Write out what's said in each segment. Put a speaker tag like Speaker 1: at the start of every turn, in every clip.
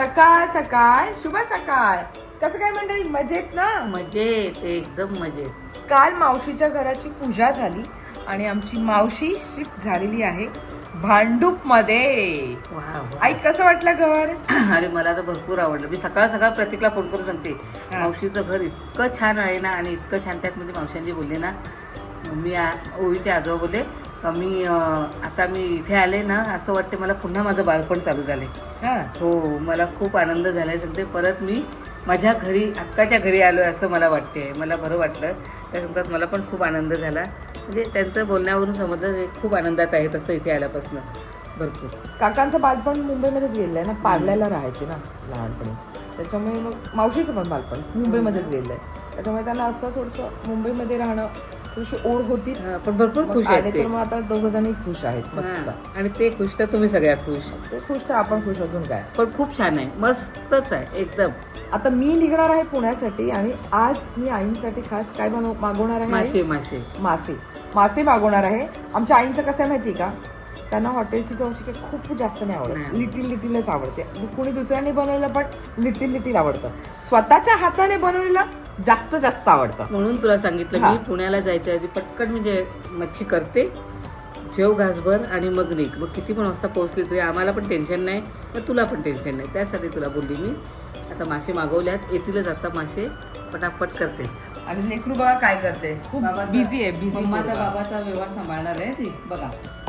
Speaker 1: सकाळ सकाळ शुभ सकाळ. कसं काय मंडळी, मजेत ना?
Speaker 2: मजेत, एकदम मजेत.
Speaker 1: काल मावशीच्या घराची पूजा झाली आणि आमची मावशी शिफ्ट झालेली आहे भांडूप मध्ये. आई कसं वाटलं घर?
Speaker 2: अरे मला तर भरपूर आवडलं. मी सकाळ सकाळ प्रतीकला फोन करून सांगते मावशीचं घर इतकं छान आहे ना, आणि इतकं छान. त्यात म्हणजे मावशांनी बोलले ना, मी ओवीचे आजोबा बोलले आता मी इथे आले ना, असं वाटते मला पुन्हा माझं बालपण चालू झाले. हो, मला खूप आनंद झालाय. सांगते परत मी माझ्या घरी, अक्काच्या घरी आलो असं मला वाटते. मला बरं वाटलं. त्या सांगतात मला पण खूप आनंद झाला. म्हणजे त्यांचं बोलण्यावरून समजलं खूप आनंदात आहे तसं इथे आल्यापासून भरपूर.
Speaker 1: काकांचं बालपण मुंबईमध्येच गेलेलं आहे ना, पार्ल्याला राहायचे ना लहानपणी, त्याच्यामुळे मग मावशीचं पण बालपण मुंबईमध्येच गेलेलं आहे. त्याच्यामुळे त्यांना असं थोडंसं मुंबईमध्ये राहणं थोडीशी ओढ होतीच.
Speaker 2: पण भरपूर खुश आहेत ते.
Speaker 1: तर मग आता दोघं जणी खुश आहेत मस्त.
Speaker 2: आणि ते खुश तर तुम्ही सगळ्यात खुश.
Speaker 1: ते खुश तर आपण खुश, अजून काय.
Speaker 2: पण खूप छान आहे, मस्तच आहे एकदम.
Speaker 1: आता मी निघणार आहे पुण्यासाठी आणि आज मी आईंसाठी खास काय मागवणार आहे?
Speaker 2: मासे मासे
Speaker 1: मासे मासे मागवणार आहे. आमच्या आईंचं कसं आहे माहिती का, त्यांना हॉटेलची चवशी काही खूप जास्त नाही आवडत, लिटिल लिटिलच आवडते. कुणी दुसऱ्याने बनवलेलं पण लिटिल लिटिल आवडतं. स्वतःच्या हाताने बनवलेलं जास्त जास्त आवडतं.
Speaker 2: म्हणून तुला सांगितलं मी पुण्याला जायच्या आधी पटकन म्हणजे मच्छी करते, जेव घासभर आणि मग निघ. मग किती पण वाजता पोहोचली तरी आम्हाला पण टेन्शन नाही, तर तुला पण टेन्शन नाही. त्यासाठी तुला बोलली मी. आता मासे मागवल्यात, येतीलच आता मासे, पटापट करतेच.
Speaker 1: आणि लेकरू बघा काय करते, खूप बिझी आहे. बिझी
Speaker 2: माझा बाबाचा व्यवहार सांभाळणार आहे ती बघा.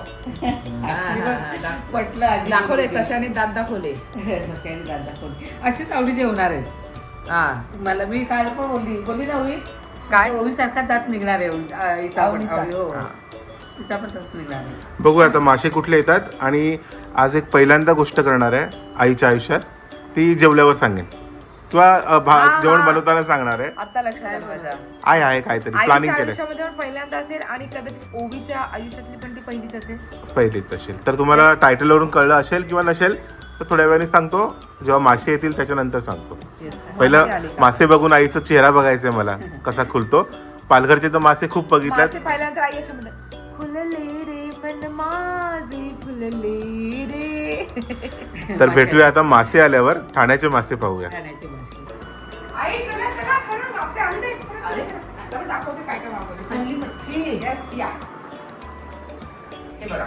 Speaker 2: पटलं
Speaker 1: दाखवले सशाने दात दाखवले.
Speaker 2: सशाने दात दाखवले. अशीच आवडीचे होणार आहेत. मला मी काल पण बोलली ना ओवी, काय ओवी सारखा दात निघणार आहे. हो, तिचा पण तसं निघणार आहे.
Speaker 3: बघू आता मासे कुठले येतात. आणि आज एक पहिल्यांदा गोष्ट करणार आहे आईच्या आयुष्यात, ती जेवल्यावर सांगेन किंवा जेवण बनवताना सांगणार आहे.
Speaker 1: आता लक्षात माझ्या
Speaker 3: आहे काहीतरी प्लॅनिंग केलंय.
Speaker 1: आयुष्यामध्ये पण पहिल्यांदा असेल आणि कदाचित ओवीच्या आयुष्यातली पण ती पहिलीच असेल.
Speaker 3: पहिलीच असेल. तर तुम्हाला टायटलवरून कळलं असेल किंवा नसेल तर थोड्या वेळाने सांगतो. जेव्हा मासे येतील त्याच्यानंतर सांगतो. पहिलं मासे बघून आईचा चेहरा बघायचंय मला, कसा खुलतो. पालघरचे तर मासे खूप बघितल्यात.
Speaker 1: पहिल्यांदा आई अशा म्हणते, फुलले रे मन माझे फुलले रे.
Speaker 3: तर भेटूया आता मासे आल्यावर. ठाण्याचे मासे पाहूया.
Speaker 2: ठाण्याचे मासे.
Speaker 1: आई चला चला चला, मासे आणले. चला दाखवते काय काय मागवले.
Speaker 2: चांगली मच्छी.
Speaker 1: येस या. हे बघा.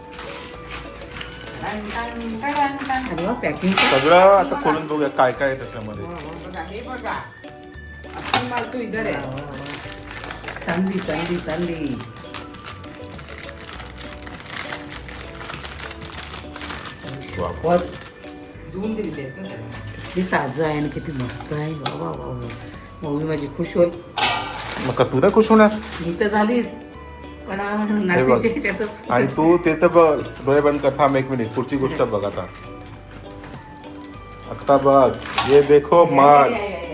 Speaker 2: अरे वा, पॅकिंग
Speaker 3: सगळं आता खोलून बघूया काय काय आहे त्याच्यामध्ये.
Speaker 1: बघा हे बघा. असली माल तू इधर आहे.
Speaker 2: चांगली चांगली चांगली.
Speaker 3: वा.
Speaker 1: धुवून दिलेले आहेत ना त्याला.
Speaker 2: किती ताजं आहे आणि किती मस्त आहे. वा वा वा वा. मम्मी माझी खुश होईल.
Speaker 3: मग का तू नाही खुश होणार?
Speaker 2: मी तर झालीच, पण
Speaker 3: हे बघ.
Speaker 2: नातीच्या ह्याच्यातच.
Speaker 3: आणि तू ते तर बघ, डोळे बंद कर. थांब एक मिनिट, पुढची गोष्ट बघ आता. आता बघ, ये देखो माल,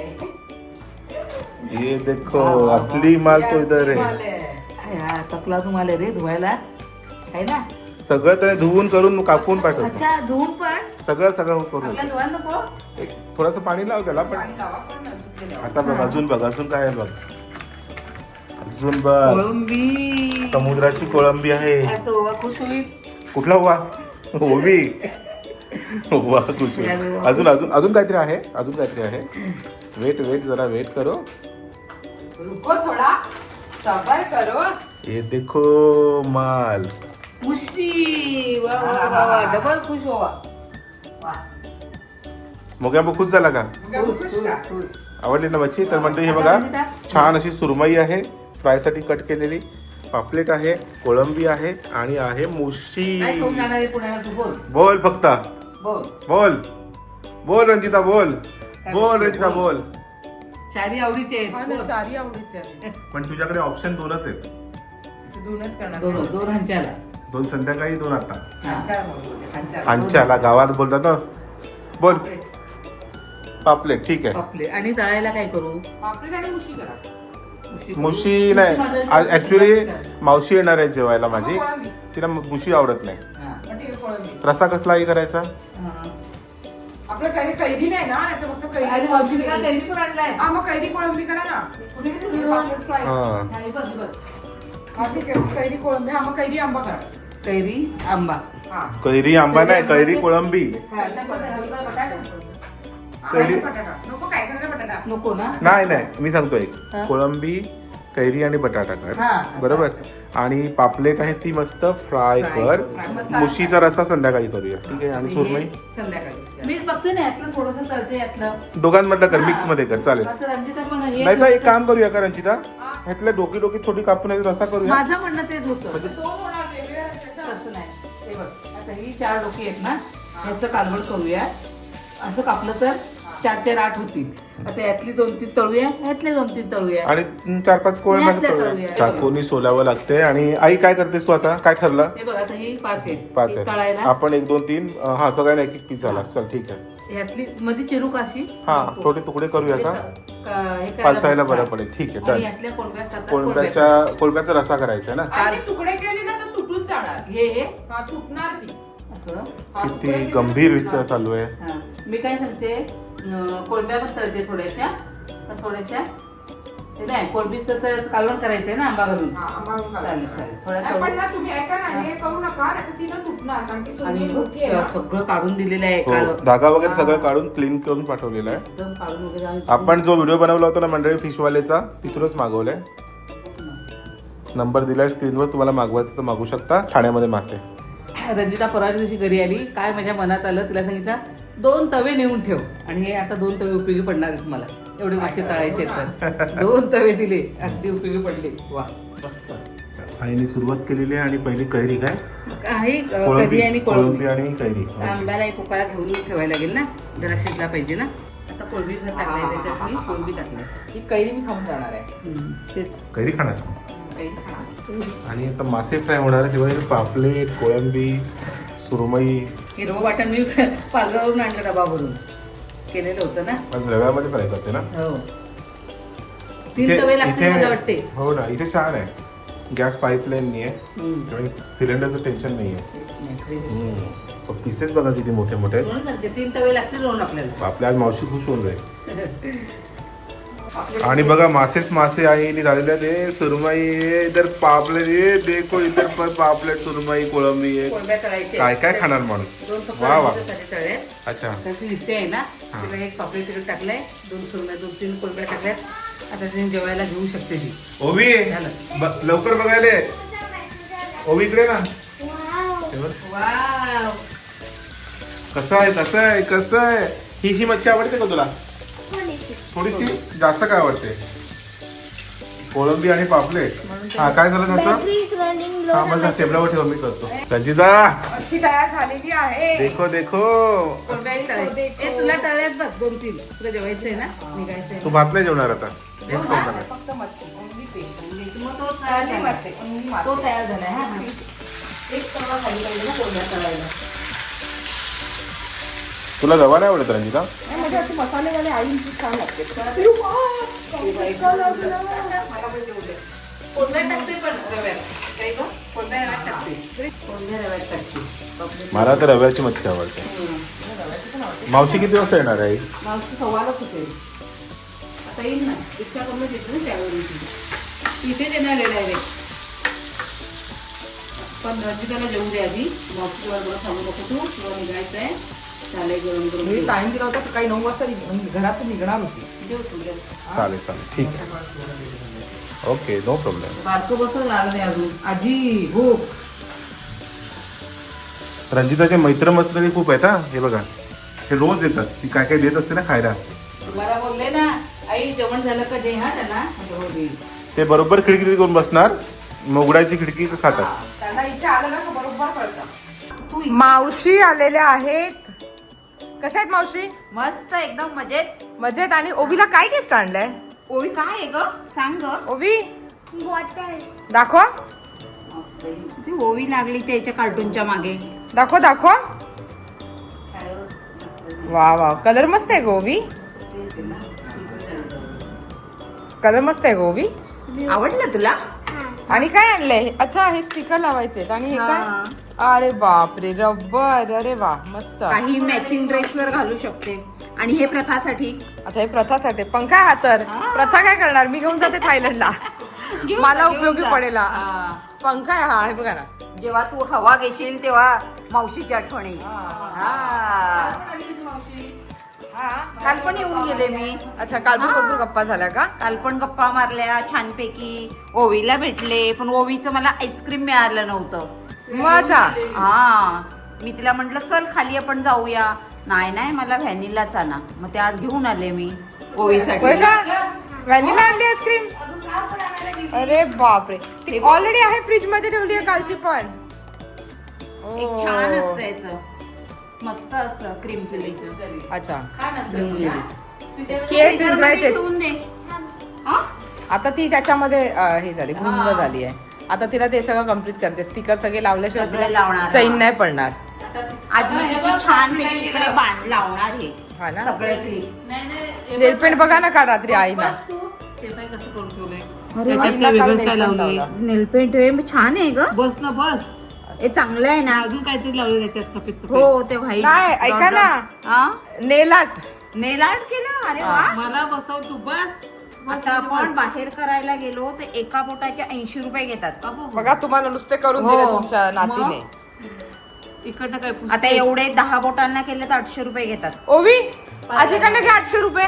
Speaker 3: ये देखो असली माल तो इधर आहे.
Speaker 2: हा, तकला तुम्हाला रे धुवायला आहे ना.
Speaker 3: सगळं त्याने धुवून करून कापून पाठवतो.
Speaker 2: अच्छा, धुवून पण
Speaker 3: सगळं करून.
Speaker 2: आपल्याला धुवायला नको.
Speaker 3: एक थोडस पाणी लाव त्याला. पण आता बघ, अजून बघ, अजून काय आहे बघ. अजून बघ,
Speaker 2: कोळंबी.
Speaker 3: समुद्राची कोळंबी आहे.
Speaker 2: तो ओवा खुश होईल.
Speaker 3: कुठला हुआ? ओवी. हुआ खुश होईल. अजून अजून अजून काहीतरी आहे. अजून काहीतरी आहे. वेट जरा वेट करो.
Speaker 1: रुको थोडा, सबर करो.
Speaker 3: ये देखो माल.
Speaker 2: मुशी. वा वा वा वा. डबल खुश होवा. वा.
Speaker 3: मोग्या खुश झाला का?
Speaker 2: खुश, खुश.
Speaker 3: आवडली ना मच्छी? तर म्हणतो हे बघा, छान अशी सुरमई आहे, फ्रायसाठी कट केलेली. पापलेट आहे, कोळंबी आहे आणि आहे मुशी.
Speaker 2: काय खाऊन जाणार आहे पुण्याला? तू बोल.
Speaker 3: बोल फक्त
Speaker 2: बोल.
Speaker 3: बोल बोल रंजिता बोल. बोल रंजिता बोल.
Speaker 2: चारी आवडीचे आहेत. बोल.
Speaker 1: चारी आवडीचे आहे.
Speaker 3: पण तुझ्याकडे ऑप्शन दोनच आहेत.
Speaker 1: दोनच करणार.
Speaker 2: दोन हंच्याला.
Speaker 3: 2 संध्याकाळी 2 आता.
Speaker 1: हांचा.
Speaker 3: हांच्याला गावात बोलतात ना. बोल. पापलेट ठीक आहे.
Speaker 2: आपले. आणि तळायला काय करू?
Speaker 1: पापलेट आणि मुशी करा.
Speaker 3: मुशी नाही, ऍक्च्युली मावशी येणार आहे जेवायला माझी. तिला मुशी आवडत नाही. रसा कसलाही करायचा.
Speaker 1: आपलं काही कैरी नाही ना, नाही तर मस्त कैरी
Speaker 2: पण आणलाय.
Speaker 1: हा, मग कैरी कोळंबी करा ना. पापलेट फ्राय.
Speaker 3: हा,
Speaker 1: हा ठीक आहे, कैरी कोळंबी. हा, मग कैरी आंबा करा.
Speaker 2: कैरी आंबा.
Speaker 1: हा,
Speaker 3: कैरी आंबा नाही, कैरी कोळंबी. कैरी
Speaker 1: बटाटा नको, काय करणार बटाटा?
Speaker 2: नको ना.
Speaker 3: नाही मी सांगतो एक
Speaker 2: हा.
Speaker 3: कोळंबी कैरी आणि बटाटा कर
Speaker 2: हा.
Speaker 3: बरोबर. आणि पापलेट आहे ती मस्त फ्राय कर.
Speaker 1: मसाला
Speaker 3: मुशीचा रस्सा संध्याकाळी करूया ठीक आहे. आणि
Speaker 2: हे
Speaker 3: सुरमई
Speaker 1: संध्याकाळी.
Speaker 2: मी बघते ना यातलं थोडंसं तळते यातलं.
Speaker 3: दोघांमधलं कर, मिक्स मध्ये कर चालेल.
Speaker 2: आता रंजिता पण हे
Speaker 3: नाही तर एक काम करूया का रंजिता, ह्यातल्या डोकी थोडी कापून याचा रस्सा करूया.
Speaker 2: माझं म्हणणं तेच होतं.
Speaker 1: दोन होणार वेगवेगळ्या रस्स्याचं.
Speaker 2: असं नाही. हे बघ आता ही 4 डोकी आहेत ना, ह्याचं कालवण करूया. असं कापलं तर 4 ते 8 होतील. आता यातली 2-3 तळूया, यातले 2-3 तळूया.
Speaker 3: आणि 4-5 कोळे
Speaker 2: यातल्या
Speaker 3: मध्ये
Speaker 2: तळूया.
Speaker 3: चाकूनी सोलावं लागते. आणि आई काय करतेस तू आता, काय ठरलं?
Speaker 2: हे बघ आता ही 5 आहेत.
Speaker 3: 5
Speaker 2: ही
Speaker 3: आहे
Speaker 2: तळायला
Speaker 3: आपण 1 2 3 हा सगळ्यांना एक पीस झाला. चल ठीक आहे.
Speaker 2: ह्यातली मध्ये चिरू काशी
Speaker 3: हा थोडे तुकडे करूया का,
Speaker 2: हे
Speaker 3: पालतायला बरं पडेल. ठीक आहे
Speaker 2: आणि
Speaker 3: डन.
Speaker 2: यातल्या कोळंब्या 7-8 कोळंब्या.
Speaker 3: कोळंब्याचा रस्सा करायचा ना.
Speaker 1: आणि ते तुकडे केले ना तर तुटून जाणार.
Speaker 2: हे
Speaker 1: हा तुटणार ती.
Speaker 2: असं.
Speaker 1: हा, तुकडे
Speaker 3: किती
Speaker 1: केले
Speaker 3: गंभीर
Speaker 1: ना
Speaker 3: विचार चालू आहे.
Speaker 2: हा. मी काय सांगते, कोळंब्या पण तळते थोड्याशा, पण थोड्याशा ते नाही कोळंबीचं तर कालवण करायचंय ना आंबा घालून.
Speaker 1: हा, आंबा घालून
Speaker 2: चालेल चालेल थोड्या
Speaker 1: नाही, पण ना तुम्ही ऐका ना, हे करू नका नाही तर ती ना तुटणार, कारण की
Speaker 2: आणि
Speaker 1: सुरमई मोठी आहे ना.
Speaker 2: सगळं काढून दिलेलं आहे
Speaker 3: हो,
Speaker 2: काढ
Speaker 3: धागा वगैरे सगळं काढून क्लीन करून पाठवलेलं आहे.
Speaker 2: एकदम काढून वगैरे आणि-
Speaker 3: आपण जो व्हिडिओ बनवला होता ना मंडळी फिशवालेचा, तिथूनच मागवलाय. नंबर दिलाय स्क्रीनवर, तुम्हाला मागवायचं तर मागू शकता. ठाण्यामध्ये मासे.
Speaker 2: रंजिता परवाच्या दिवशी घरी आली, काय माझ्या मनात आलं तिला सांगितलं 2 तवे नेऊन ठेव. आणि हे आता 2 तवे उपयोगी पडणार आहेत मला, एवढे मासे तळायचे तर 2 तवे दिले, अगदी उपयोगी पडले. वा मस्त.
Speaker 3: आईने सुरुवात केलेली आहे. आणि पहिली कैरी काय,
Speaker 2: आहे कधी आणि
Speaker 3: कोळंबी आणि कैरी.
Speaker 2: आंब्याला एक उकाळा घेऊन ठेवायला लागेल ना, जरा शिजला पाहिजे ना. आता कोळंबी टाकलाय त्याच्यात, मी कोळंबी टाकलाय.
Speaker 1: ही कैरी मी खाऊन जाणार आहे.
Speaker 2: तेच
Speaker 3: कैरी खाणार.
Speaker 2: काही खाणार.
Speaker 3: आणि आता मासे फ्राय होणार आहे, तेव्हा इथे पापलेट, कोळंबी, सुरमई.
Speaker 2: हिरवं वाटण मी पालघरवरून आणलं डबा भरून केलेलं होतं ना.
Speaker 3: आज रव्यामध्ये फ्राय करते ना.
Speaker 2: हो 3 तवे लागतील मला वाटते.
Speaker 3: हो ना, इथे छान आहे. गॅस पाईपलाईन नाही आहे,
Speaker 2: हम्म.
Speaker 3: त्यामुळे सिलेंडरचं टेन्शन नाही आहे. पीसेस बघा किती मोठे मोठे आहेत.
Speaker 2: म्हणून सांगते 3 तवे लागतील म्हणून आपल्याला.
Speaker 3: आपल्या आज मावशी खुश होऊन जाईल. आणि बघा मासेच मासे आईने झालेले आहेत. सुरमई आहे, इधर पापलेट आहे, देखो इधर पर पापलेट, सुरमई, कोळंबी आहे.
Speaker 2: कोळंब्या तळायच्या.
Speaker 3: काय काय खाणार माणूस.
Speaker 2: 2 फक्त
Speaker 3: वा वा.
Speaker 2: रंजितासाठी तळले.
Speaker 3: अच्छा
Speaker 2: त्याची नित्य आहे ना, तिला एक पापलेट तिकडे टाकलंय, 2 सुरमई, 2-3 कोळंब्या टाकल्यात. आता तिने जेवायला घेऊ शकते ती.
Speaker 3: ओवी
Speaker 2: झालं.
Speaker 3: लवकर बघायला ये. ओवी इकडे ना. हे बघ.
Speaker 2: वाव.
Speaker 3: कसं आहे कसं आहे कसं आहे. ही मच्छी आवडते का तुला. थोडीशी जास्त काय आवडते. कोळंबी आणि पापलेट. हा काय झालं त्याचं. हा मला टेबलावर ठेव, मी करतो. संजीता
Speaker 1: मच्छी तयार झालेली आहे.
Speaker 3: देखो देखो.
Speaker 2: कोळंब्याही तळायच्या. ए, तुला तळ्यात बघ 2-3. तुला जेवायचंय ना, निघायचंय
Speaker 3: तू भात नाही जेवणार आता. हेच खाऊन टाकायचं.
Speaker 1: फक्त मच्छी, only fish.
Speaker 2: मग तो तयार
Speaker 1: only
Speaker 2: झालाय.
Speaker 1: मच्छी, only मासे.
Speaker 2: तो तयार झालाय. हा हा. एक तवा खाली पाहिजे ना कोळंब्या तळायला.
Speaker 3: तुला रवा नाही आवडत रंजिता.
Speaker 1: नाही, म्हणजे अशी मसालेवाले आईंची छान लागते.
Speaker 2: कोळंब्या टाकते पण रव्यात. काय गं? कोळंब्या रव्यात टाकते. कोळंब्या रव्यात टाकते.
Speaker 3: मला तर रव्याची मच्छी आवडते. मावशी किती वाजता येणार आहे.
Speaker 2: मावशी सवालच होते. आता येईल ना, इच्छा करूनच येते ना त्यावेळी. इथेच येणार आहे डायरेक्ट. पण रंजिताला जेवू दे आधी. मावशी बरोबर सांगू नको तू, तुला निघायचं आहे. चालेल गरम गरम
Speaker 1: मी
Speaker 2: जेव.
Speaker 1: टाइम दिला होता सकाळी 9 वाजता घरातून निघणार होती.
Speaker 2: जेव तू, जेव.
Speaker 3: चालेल चालेल ठीक आहे. Okay no problem.
Speaker 2: बारकं बसं लागलं नाही अजून. आजी हो.
Speaker 3: रंजिताचे मैत्र खूप आहेत हा. हे बघा हे रोज येतात. ती काय काय देत असते ना खायला.
Speaker 2: तुम्हाला बोलले ना, आई जेवण झालं का जे हा त्यांना हो दे.
Speaker 3: ते बरोबर खिडकीत करून बसणार, मग उघडायची खिडकी खातात.
Speaker 1: त्यांना इथे आलं ना का बरोबर कळतं.
Speaker 2: तू
Speaker 1: मावशी आलेल्या आहेत. कशा आहेत मावशी.
Speaker 4: मस्त एकदम मजेत.
Speaker 1: मजेत. आणि ओवीला काय गिफ्ट आणलंय.
Speaker 4: ओवी काय आहे ग, सांग ग.
Speaker 1: ओवी दाखवा
Speaker 4: ती ओवी लागली त्याच्या कार्टूनच्या मागे.
Speaker 1: दाखवा दाखवा. वा वा, कलर मस्त आहे गोवी. कलर मस्त आहे गोवी.
Speaker 4: आवडलं तुला.
Speaker 1: आणि काय आणलंय. अच्छा हे स्टिकर लावायचे. आणि हे काय. अरे बापरे रबर. अरे वा मस्त.
Speaker 4: काही मॅचिंग ड्रेसवर घालू शकते. आणि हे प्रथासाठी.
Speaker 1: अच्छा हे प्रथासाठी. पंखा हा तर प्रथा काय करणार. मी घेऊन जाते थायलंडला. मला उपयोगी पडेल. पंखा आहे हा. हे बघा ना.
Speaker 4: जेव्हा तू हवा घेशील तेव्हा मावशीची आठवणी. काल पण येऊन गेले मी.
Speaker 1: अच्छा, काल पण भरपूर गप्पा झाल्या का?
Speaker 4: काल पण गप्पा मारल्या छानपैकी. ओवीला भेटले, पण ओवीचं मला आईस्क्रीम मिळालं नव्हतं.
Speaker 1: अच्छा.
Speaker 4: हा, मी तिला म्हंटल चल खाली आपण जाऊया. नाही मला व्हॅनिलाच आणा. मग ते आज घेऊन आले मी ओवीसाठी.
Speaker 1: होय का? व्हॅनिला आणली आईस्क्रीम? अरे बापरे, ती ऑलरेडी आहे फ्रीज मध्ये ठेवली आहे कालची पण.
Speaker 4: एक छान असतं याचं, मस्त असतं क्रीम चिलीचं.
Speaker 1: अच्छा,
Speaker 4: त्याच्यामध्ये
Speaker 1: केस शिजवायचे.
Speaker 4: ठेवून दे. हा?
Speaker 1: आता ती त्याच्यामध्ये हे झाली, गुंग झाली आहे. आता तिला ते सगळं कम्प्लीट करायचे. स्टिकर सगळे
Speaker 4: सगळे
Speaker 1: लावल्याशिवाय
Speaker 4: लावणार.
Speaker 1: चैन नाही पडणार.
Speaker 4: आज मी तिची छान पैकी इकडे लावणार हे
Speaker 1: हा ना?
Speaker 4: सगळे क्लिप.
Speaker 1: नेलपेंट बघा ना काल रात्री आईला.
Speaker 2: कसं करून ठेवलंय
Speaker 4: अरे
Speaker 2: त्याच्यात
Speaker 1: आईला
Speaker 2: काय
Speaker 1: काल
Speaker 2: वेगळं काय
Speaker 1: nail paint
Speaker 2: लावलंय
Speaker 1: लावला.
Speaker 4: नेलपेंट हे छान आहे ग.
Speaker 2: बस ना बस.
Speaker 4: हे चांगलं आहे ना.
Speaker 2: अजून काहीतरी लावलं त्याच्यात सफेद सफेद.
Speaker 4: हो ते व्हाईट.
Speaker 1: नाही, ऐका ना. नेल आर्ट.
Speaker 4: नेल आर्ट केलं. अरे वा.
Speaker 2: मला बसव तू बस.
Speaker 4: आता आपण बाहेर करायला गेलो तर एका बोटाचे 80 रुपये घेतात.
Speaker 1: बघा, तुम्हाला नुसते करून
Speaker 4: हो.
Speaker 1: दिले तुमच्या नातीने.
Speaker 2: इकडनं काय पुस्तक?
Speaker 4: आता एवढे 10 बोटांना केले तर 800 रुपये घेतात.
Speaker 1: ओवी, आजीकडनं घे 800 रुपये.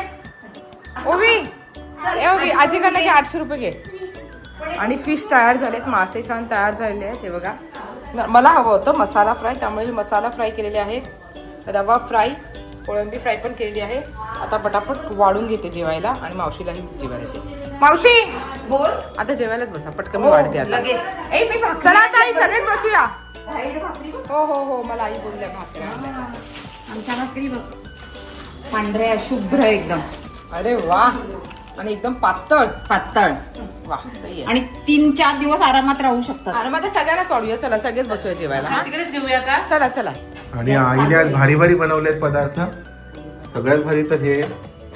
Speaker 1: ओवी, ओवी, आजीकडनं घे 800 रुपये घे. आणि फिश तयार झालेत, मासे छान तयार झालेले आहेत. हे बघा, मला हवं होतं मसाला फ्राय, त्यामुळे मी मसाला फ्राय केलेले आहेत. रवा फ्राय, कोळंबी फ्राय पण केलेली आहे. आता पटापट वाढून घेते जेवायला आणि मावशीलाही जेवायला येते. मावशी,
Speaker 4: बोल.
Speaker 1: आता जेवायलाच बसा, पटकन मी वाढते आता.
Speaker 4: लगेच. ए, मी भाकरी
Speaker 1: चला आता आई, सगळेच बसूया.
Speaker 4: व्हाईट भाकरी बघ.
Speaker 1: हो हो हो, मला आई बोलल्या भाकरी आणल्या.
Speaker 4: आमच्या भाकरी बघ, पांढऱ्या शुभ्र एकदम.
Speaker 1: अरे वा, आणि एकदम पातळ.
Speaker 4: पातळ.
Speaker 1: वा, सही आहे.
Speaker 4: आणि 3-4 दिवस आरामात राहू शकतात.
Speaker 1: आणि मग सगळ्यांनाच वाढूया. चला, सगळेच बसूया जेवायला. हा?
Speaker 2: तिकडेच घेऊया का?
Speaker 1: चला चला.
Speaker 3: आणि आईने आज भारी भारी बनवलेत पदार्थ. सगळ्यात भारी तर हे,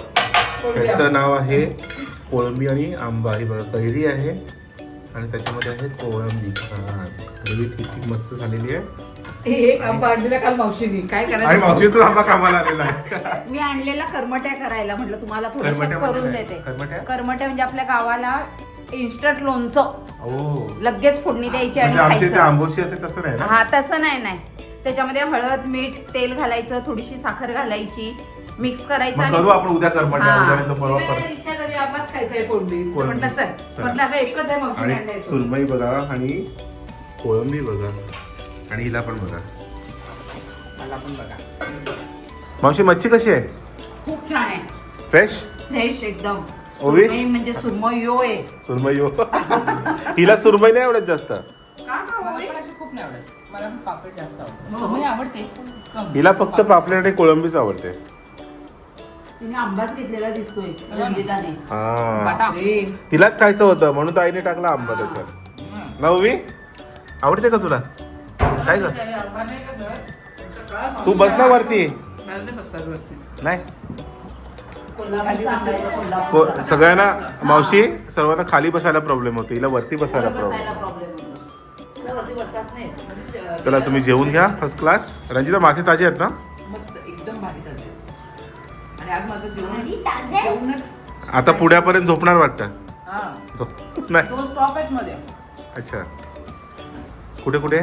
Speaker 3: त्याचं नाव आहे कोळंबी आणि आंबा. ही बघा, कैरी आहे आणि त्याच्यामध्ये आहे कोळंबी. ग्रेव्ही ठीक मस्त झालेली आहे.
Speaker 2: एक आंबा आणलेला काल मावशीनी. काय
Speaker 3: आणि
Speaker 2: करायचं?
Speaker 3: मावशीचा आंबा कामाला आलेला आहे.
Speaker 4: मी आणलेला करमट्या करायला म्हटलं तुम्हाला थोडं
Speaker 3: करमट्या म्हणजे
Speaker 4: करून
Speaker 3: काय?
Speaker 4: देते.
Speaker 3: करमट्या?
Speaker 4: करमट्या म्हणजे आपल्या गावाला इन्स्टंट लोणचं.
Speaker 3: ओ,
Speaker 4: लगेच फोडणी द्यायची आणि
Speaker 3: म्हणजे आमचे ते
Speaker 4: खायचं.
Speaker 3: आंबोशी असते तसं नाही ना?
Speaker 4: हा, तसं नाही. त्याच्यामध्ये हळद, मीठ, तेल घालायचं, थोडीशी साखर घालायची, मिक्स करायचं.
Speaker 3: मग करू आपण उद्या करमट्या.
Speaker 4: हा.
Speaker 3: उद्या नाही तर परवा
Speaker 2: तिला
Speaker 3: कर.
Speaker 2: इच्छा झाली आंबाच खायचा आहे कोळंबी.
Speaker 3: कोळंबी.
Speaker 2: म्हटलं चल.
Speaker 3: चला.
Speaker 2: म्हटलं आता एकच आहे मावशीने
Speaker 3: आणि
Speaker 2: आणलाय तो.
Speaker 3: सुरमई बघा आणि कोळंबी बघा आणि हिला पण बघा.
Speaker 1: मला पण बघा.
Speaker 3: मावशी, मच्छी कशी आहे?
Speaker 4: खूप छान आहे.
Speaker 3: फ्रेश?
Speaker 4: फ्रेश एकदम.
Speaker 3: ओवी?
Speaker 4: सुरमई म्हणजे सुरमई यो आहे.
Speaker 3: सुरमई हो. हिला सुरमई नाही आवडत जास्त.
Speaker 1: मला पण अशी खूप नाही आवडत. मला पण पापड जास्त आवडतं. सुरमई आवडते.
Speaker 3: हिला फक्त पापलेट आणि कोळंबीच आवडते.
Speaker 4: तिने आंबाच घेतलेला दिसतोय रंजिताने.
Speaker 3: हा,
Speaker 4: बापरे.
Speaker 3: तिलाच खायचं होतं म्हणून तर आईने टाकला आंबा त्याच्यात. ना ओवी, आवडते का तुला? काय ग,
Speaker 2: आंबा नाही का जवळ?
Speaker 3: तू बस ना वरती.
Speaker 2: मला नाही बसतात वरती.
Speaker 3: नाही,
Speaker 4: कोल्हापूरचा आंबा आहे तो, कोल्हापूरचा.
Speaker 3: सगळ्यांना मावशी सर्वांना खाली बसायला प्रॉब्लेम होतो, हिला वरती बसायला
Speaker 4: बसायला
Speaker 3: प्रॉब्लेम.
Speaker 4: प्रॉब्लेम होतो.
Speaker 2: मला वरती बसतात नाही. म्हणजे,
Speaker 3: चला, तुम्ही जेवून घ्या फर्स्ट क्लास. रंजिता, मासे ताजे आहेत ना?
Speaker 1: मस्त, एकदम भारी ताजे. आणि आज माझं जेवणच.
Speaker 3: आता पुण्यापर्यंत झोपणार वाटतं.
Speaker 1: हा,
Speaker 3: नाही,
Speaker 1: 2 स्टॉप आहेत मध्ये.
Speaker 3: अच्छा. कुठे कुठे?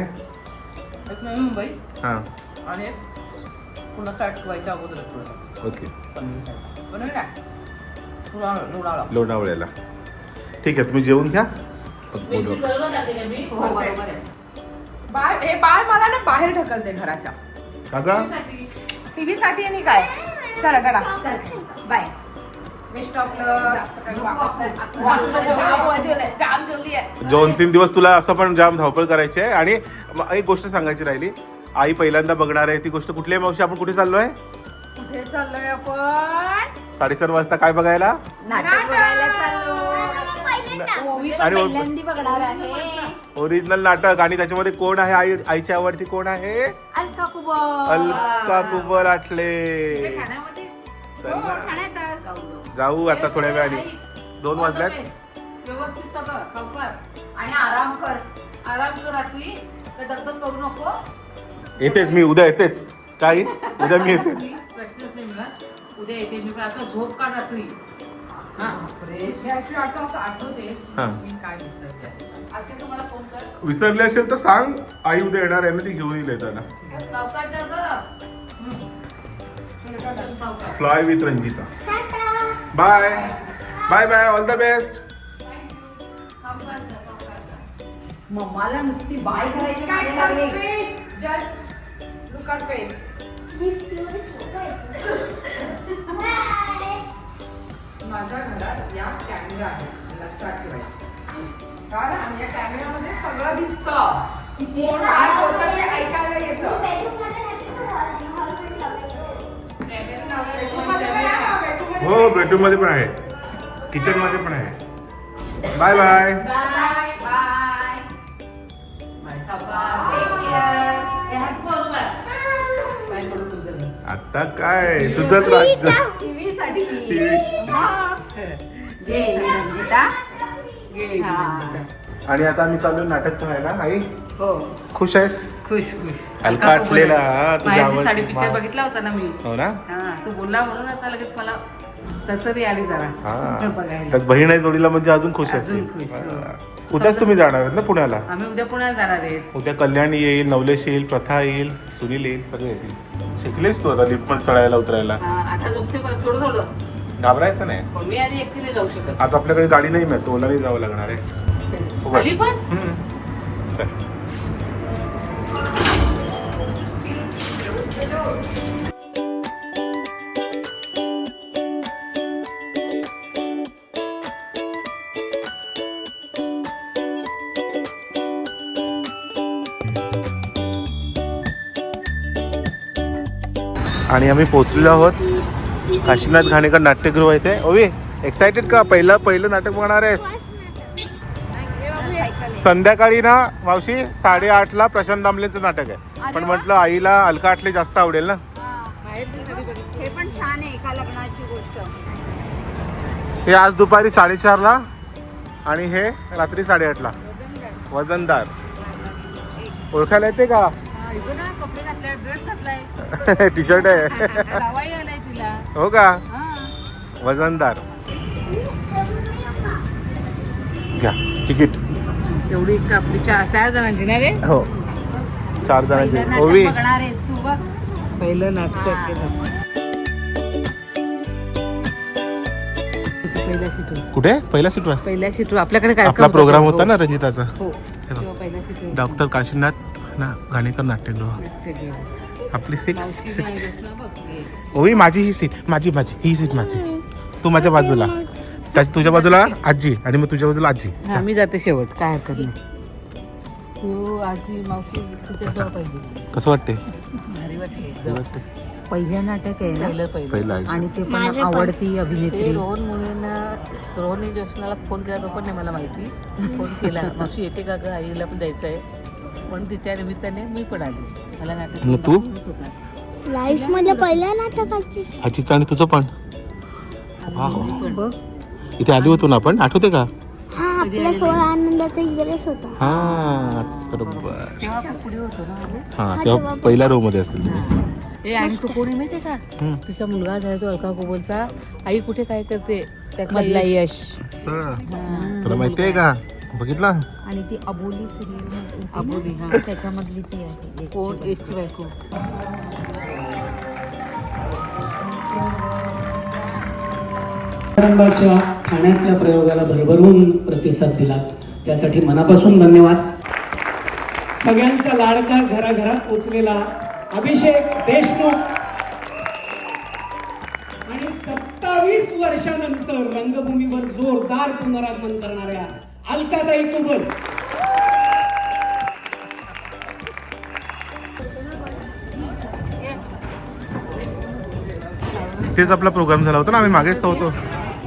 Speaker 1: एक नवी मुंबई
Speaker 3: हां,
Speaker 1: आणि एक पुन्हा स्टार्ट व्हायच्या अगोदर थोडंसं
Speaker 3: ओके.
Speaker 1: बनवलं ना लोणावळा.
Speaker 3: लोणावळ्याला. ठीक आहे, तुम्ही जेवून घ्या. मग बोलू.
Speaker 2: बरोबर लागते का मी?
Speaker 4: हो, बरोबर आहे.
Speaker 1: बाळ मला ना बाहेर ढकलते घराच्या.
Speaker 3: काका,
Speaker 1: टीव्ही साठी आणि काय. चला टाटा.
Speaker 4: चल, बाय. बेस्ट ऑफ
Speaker 1: जाम जेवली आहे.
Speaker 3: 2-3 दिवस तुला असं पण जाम धावपळ करायची आहे. आणि एक गोष्ट सांगायची राहिली. आई पहिल्यांदा बघणार आहे ती गोष्ट कुठली आहे मावशी? आपण कुठे चाललोय?
Speaker 4: कुठे चाललोय आपण?
Speaker 3: 4:30 वाजता काय बघायला?
Speaker 4: नाटक बघायला चाललो. ओवी पण
Speaker 3: आणि
Speaker 4: पहिल्यांदा बघणार आहे.
Speaker 3: ओरिजिनल नाटक. आणि त्याच्यामध्ये कोण आहे? आईची आवडती कोण आहे?
Speaker 4: अलका कुबल.
Speaker 3: अलका कुबल आठले.
Speaker 2: खाण्यामध्ये
Speaker 3: चल ना.
Speaker 4: ठाण्यातच.
Speaker 3: जाऊ आता थोड्या वेळाने. 2 वाजल्यात.
Speaker 2: व्यवस्थित सगळं सावकाश.
Speaker 4: आणि आराम कर.
Speaker 2: आराम कर रात्री. काय दगदग करू नको.
Speaker 3: येतेच मी, उद्या येतेच. काय? उद्या मी येतेच.
Speaker 2: प्रश्नच नाही मिळत. उद्या येते मी, पण आता झोप काढ रात्री. हा.
Speaker 1: मी actually आता असं आठवते
Speaker 3: हा.
Speaker 1: मी काय विसरते.
Speaker 2: असे तुम्हाला फोन कर.
Speaker 3: विसरली असेल तर सांग. आई उद्या येणार आहे ना, ती घेऊन येईल येताना.
Speaker 2: सावकाश जा गं.
Speaker 3: Fly with Ranjita. Bye bye bye, all the best.
Speaker 4: मम्माला नुसती बाय करायची
Speaker 1: Cat
Speaker 4: काय
Speaker 1: her
Speaker 4: लागली?
Speaker 1: face. Just look her face. माझ्या घरात या कॅमेरा आहे, लक्षात ठेवायचं. कारण या कॅमेरामध्ये सगळं दिसतं. कोण काय बोलतं ते ऐकायला येतं.
Speaker 3: हो, बेडरूम मध्ये पण आहे, किचन मध्ये पण आहे. Bye bye.
Speaker 4: Bye bye. Bye सावकाश. Take care. हे हात बोलू बाळा. काय पडू तुझं?
Speaker 3: आता काय तुझंच राज्य.
Speaker 4: टीव्ही साठी.
Speaker 3: TV.
Speaker 4: घे रंजिता.
Speaker 2: घे,
Speaker 4: हा.
Speaker 3: आणि आता आम्ही चालू नाटक पाहायला. नाही
Speaker 2: हो,
Speaker 3: खुश आहेस?
Speaker 2: खुश खुश.
Speaker 3: हलका आटलेला, हा, तुझ्या
Speaker 2: माहेरची
Speaker 3: आवड-
Speaker 2: साडी पिक्चर बघितला होता ना मी.
Speaker 3: हो ना.
Speaker 2: हा, तू बोलला म्हणून आता लगेच मला तरी आली जरा
Speaker 3: हा,
Speaker 2: बघायला.
Speaker 3: त्यात बहीण आहे जोडीला म्हणजे अजून खुश
Speaker 2: अजून
Speaker 3: असेल.
Speaker 2: खुश, हो.
Speaker 3: हा. उद्याच तुम्ही जाणार आहेत ना पुण्याला?
Speaker 2: आम्ही उद्या पुण्याला जाणार आहे.
Speaker 3: उद्या कल्याणी येईल, नवलेश येईल, प्रथा येईल, सुनील येईल, सगळे येतील. शिकलेस तू आता लिफ्ट मध्ये चढायला उतरायला?
Speaker 2: आता जमते पण थोडं थोडं,
Speaker 3: घाबरायचं नाही.
Speaker 2: पण मी आधी एकटी नाही जाऊ शकत.
Speaker 3: आज आपल्याकडे गाडी नाही मिळत, ओलाने जावं लागणार आहे. उभं.
Speaker 2: आली पण
Speaker 3: चल. आणि आम्ही पोहोचलेलो आहोत काशीनाथ घाणेकर नाट्यगृह इथे. ओवी, एक्साइटेड का? पहिलं नाटक बघणार आहेस? संध्याकाळी ना मावशी 8:30ला प्रशांत दामलेंचं नाटक आहे. पण म्हटलं आईला अलका आटले जास्त आवडेल ना.
Speaker 4: हे पण छान आहे, एका लग्नाची गोष्ट.
Speaker 3: हे आज दुपारी 4:30ला आणि हे रात्री 8:30ला. वजनदार. ओळखायला येते का?
Speaker 2: कपडे घातले, ड्रेस घातलाय,
Speaker 3: टी शर्ट आहे.
Speaker 2: लावाई आलाय तिला.
Speaker 3: हो का?
Speaker 2: हा.
Speaker 3: वजनदार. घ्या तिकीट.
Speaker 2: एवढी आपली 4 जणांची ना रे.
Speaker 3: हो, 4 जणांची.
Speaker 4: पहिलं नाटक
Speaker 3: ओवी,
Speaker 4: बघणार आहेस तू बघ.
Speaker 2: पहिलं नाटक
Speaker 4: हा.
Speaker 2: केलं. पहिल्या सीटवर,
Speaker 3: कुठे? पहिल्या सीटवर
Speaker 2: पहिल्या सीटवर आपल्याकडे काय
Speaker 3: आपला प्रोग्राम होता ना रंजिताचा.
Speaker 2: हो,
Speaker 3: हे बघ.
Speaker 2: तेव्हा पहिल्या सीटवर.
Speaker 3: डॉक्टर काशीनाथ ना घाणेकर नाट्यगृह. आपली 6 सीट. ओवी, माझी ही सीट, माझी ही सीट माझी. तू माझ्या बाजूला, तुझ्या बाजूला आजी, आणि मग तुझ्या बाजूला आजी.
Speaker 2: हा, मी जाते शेवट, काय हरकत नाही. तू आजी मावशी तिथे जाऊ पाहिजे.
Speaker 3: कसं वाटते?
Speaker 2: भारी वाटते.
Speaker 3: वाटते.
Speaker 4: पहिलं नाटक आहे ना,
Speaker 3: पहिलं आजी.
Speaker 4: आणि ते पण आवडती
Speaker 2: ते
Speaker 4: अभिनेत्री.
Speaker 2: रोहन मुलींना, रोहनने जोशनाला फोन केला, तो पण नाही मला माहिती. फोन केला, मावशी येते का गं, आईला पण जायचं आहे. पण तिच्या निमित्ताने मी पण आली. मला नाटक
Speaker 3: मग तू?
Speaker 2: दाखवायचं होता.
Speaker 5: लाईफ मध्ये पहिल्या नाटकाची
Speaker 3: आजीचं आणि तुझं पण.
Speaker 2: आणि मी पण.
Speaker 4: बघ,
Speaker 3: इथे आली होतो ना आपण, आठवते का?
Speaker 5: हा आपला 16 आनंदाचा ड्रेस होता.
Speaker 3: हा, बरोबर.
Speaker 2: तेव्हा आपण पुढे होतो ना मध्ये.
Speaker 3: हा, तेव्हा पहिल्या रो मध्ये असतील तुम्ही.
Speaker 2: ए, आणि तो कोणी माहितीये का?
Speaker 3: हम्म.
Speaker 2: तिचा मुलगा झाला तो अलका कुबलचा. आई कुठे काय करते त्यातला
Speaker 4: मधला यश.
Speaker 3: असं.
Speaker 2: हा.
Speaker 3: तुला माहितीये का? बघितला?
Speaker 5: आणि ती अबोली सिरियल
Speaker 2: अबोली, हा.
Speaker 5: त्याच्यामधली ती आहे.
Speaker 2: कोण? एसची बायको.
Speaker 6: रंगाच्या खाण्यातल्या प्रयोगाला भरभरून प्रतिसाद दिला, त्यासाठी मनापासून धन्यवाद. सगळ्यांचा लाडका घराघरात पोचलेला अभिषेक देशमुख आणि 27 वर्षानंतर रंगभूमीवर जोरदार पुनरागमन करणाऱ्या अलकाताई कुबल.
Speaker 3: तेच आपला प्रोग्राम झाला होता ना, आम्ही मागेच तर होतो.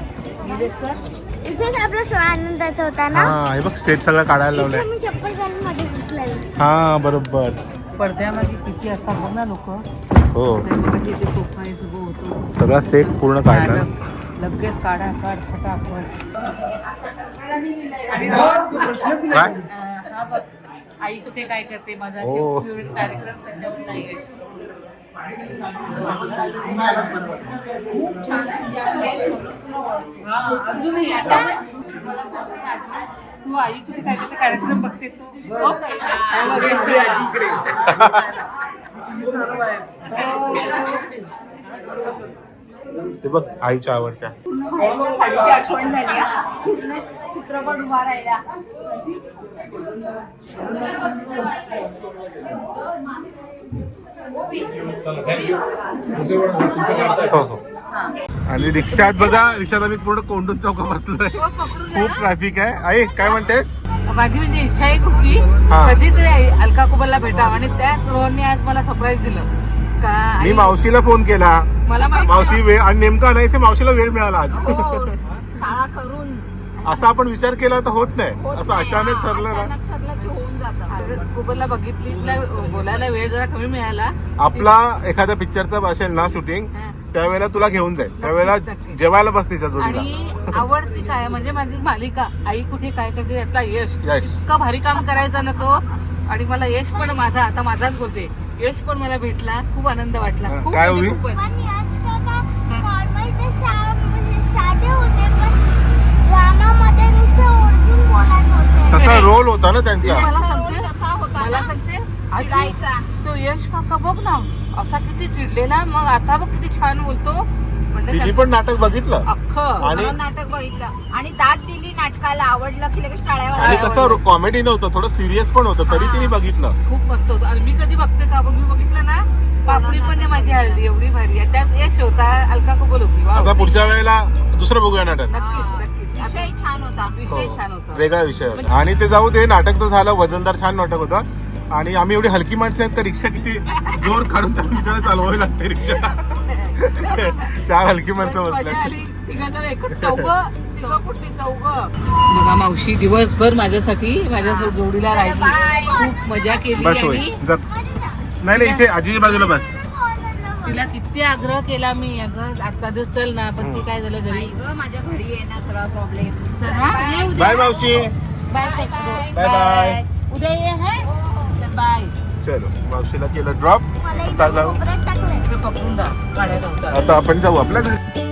Speaker 5: इथेच आपला 16 आनंदाचा होता ना.
Speaker 3: हा, हे बघ सेट सगळं काढायला लावलाय.
Speaker 5: इथे मी चप्पल घालून मध्ये घुसलेलो.
Speaker 3: हा, बरोबर.
Speaker 2: पडद्यामागे किती असतात बघ ना लोक.
Speaker 3: हो,
Speaker 2: तिथे सोफा हे सगळं होतं.
Speaker 3: सगळा सेट पूर्ण काढला.
Speaker 2: लगेच काढा, काढ फटाफट.
Speaker 3: काय?
Speaker 2: हा बघ, आई कुठे काय करते, माझा
Speaker 3: हो.
Speaker 2: फेवरेट कार्यक्रम त्याच्यावर नाही आहे. हा, अजूनही आता मला सांग ना, तू आई कुठे काय करते कार्यक्रम बघते तू. हो काय?
Speaker 3: ते बघ आईच्या आवडत्या.
Speaker 4: आठवण झाली हा. पूर्ण चित्रपट उभा राहिला.
Speaker 3: हो हो. आणि रिक्षात बघा, रिक्षात आम्ही पूर्ण कोंडून चौका बसलोय. खूप ट्रॅफिक आहे. आई काय म्हणतेस?
Speaker 2: माझी म्हणजे इच्छा आहे खूप की
Speaker 3: हा.
Speaker 2: कधीतरी अलका कुबलला भेटावं आणि त्याच रोहनने आज मला सरप्राईज दिलं का
Speaker 3: मी
Speaker 2: आई-
Speaker 3: मावशीला फोन केला,
Speaker 2: मला माहिती
Speaker 3: मावशी वेळ, आणि नेमका नाही ते मावशीला वेळ मिळाला आज.
Speaker 4: हो, शाळा करून
Speaker 3: असा आपण विचार केला तर होत नाही,
Speaker 4: होत
Speaker 3: असं
Speaker 4: नाही.
Speaker 3: अचानक
Speaker 4: हा,
Speaker 3: ठरलं ना.
Speaker 4: अचानक ठरलं की होऊन जातं.
Speaker 2: कुबलला बघितली, तिला बोलायला वेळ जरा कमी मिळाला.
Speaker 3: आपला एखाद्या पिक्चरचा असेल ना शूटिंग, त्यावेळेला तुला घेऊन जाईल, त्यावेळेला जेवायला बस तिच्या जोडीला.
Speaker 2: आणि आवडती काय म्हणजे माझी मालिका आई कुठे काय करते त्यातला यश
Speaker 3: यश.
Speaker 2: इतकं भारी काम करायचा ना तो. आणि मला यश पण माझा, आता माझाच बोलते, यश पण मला भेटला, खूप आनंद वाटला. खूप
Speaker 3: काय
Speaker 2: म्हणजे
Speaker 3: होईल?
Speaker 2: खूपच.
Speaker 5: पण यश काका नॉर्मल ते साधे होते, पण ड्रामामध्ये नुसते ओरडून बोलत होते.
Speaker 3: तसा रोल होता ना त्यांचा.
Speaker 2: मला
Speaker 4: रोल
Speaker 2: सांगते,
Speaker 4: कसा होता
Speaker 2: मला
Speaker 4: ना?
Speaker 2: सांगते
Speaker 4: चिडायचा.
Speaker 2: तो यश काका बघ ना असा किती चिडलेला, मग आता बघ किती छान बोलतो. म्हणजे
Speaker 3: तिने
Speaker 2: त्याचं
Speaker 3: पण नाटक बघितलं
Speaker 2: अख्खं
Speaker 3: आणि
Speaker 4: मला नाटक बघितलं आणि दाद दिली नाटकाला, आवडलं की लगेच टाळ्यावर
Speaker 3: आणि कसं कॉमेडी नव्हतं, थोडं सिरियस पण होतं, तरी तिने बघितलं.
Speaker 2: खूप मस्त होतं. आणि मी कधी बघते का, पण मी बघितलं ना, पापडी पण नाही माझी हळदी एवढी भारी आहे. त्यात यश होता, अलका कुबल होती. वा,
Speaker 3: आता पुढच्या वेळेला दुसरं बघूया नाटक.
Speaker 2: नक्कीच नक्कीच.
Speaker 4: विषय छान होता.
Speaker 2: विषय छान होता.
Speaker 3: वेगळा विषय होता. आणि ते जाऊ दे, नाटक तर झालं, वजनदार छान नाटक होतं. आणि आम्ही एवढी हलकी माणसं आहेत तर रिक्षा किती जोर काढून त्या बिचारा चालवावी लागते रिक्षा. 4 हलकी माणसं
Speaker 2: मजा
Speaker 3: बसल्या.
Speaker 2: आली. तिघांजण एकच चौघं. बघा मावशी दिवसभर माझ्यासाठी माझ्या जोडीला राहिली, खूप मजा केली.
Speaker 3: बस होय.
Speaker 2: आणि
Speaker 3: नाही नाही, इथे आजीच्या बाजूला बस.
Speaker 2: तिला किती आग्रह केला मी, अगं आजचा दिवस चल ना, पण ती काय झालं घरी.
Speaker 4: ग माझ्या घरी आहे ना सगळा प्रॉब्लेम.
Speaker 2: चला, ये उद्या.
Speaker 3: बाय मावशी.
Speaker 2: Bye
Speaker 3: bye bye.
Speaker 2: उद्या ये हा. बाय.
Speaker 3: चलो, मावशीला केलं ड्रॉप.
Speaker 5: मला
Speaker 3: आता
Speaker 5: इथे
Speaker 3: जाऊ,
Speaker 5: कोपऱ्यात टाकलंय.
Speaker 2: पकडून राहा, गाड्या धावतात.
Speaker 3: आता आपण जाऊ आपल्या घरी.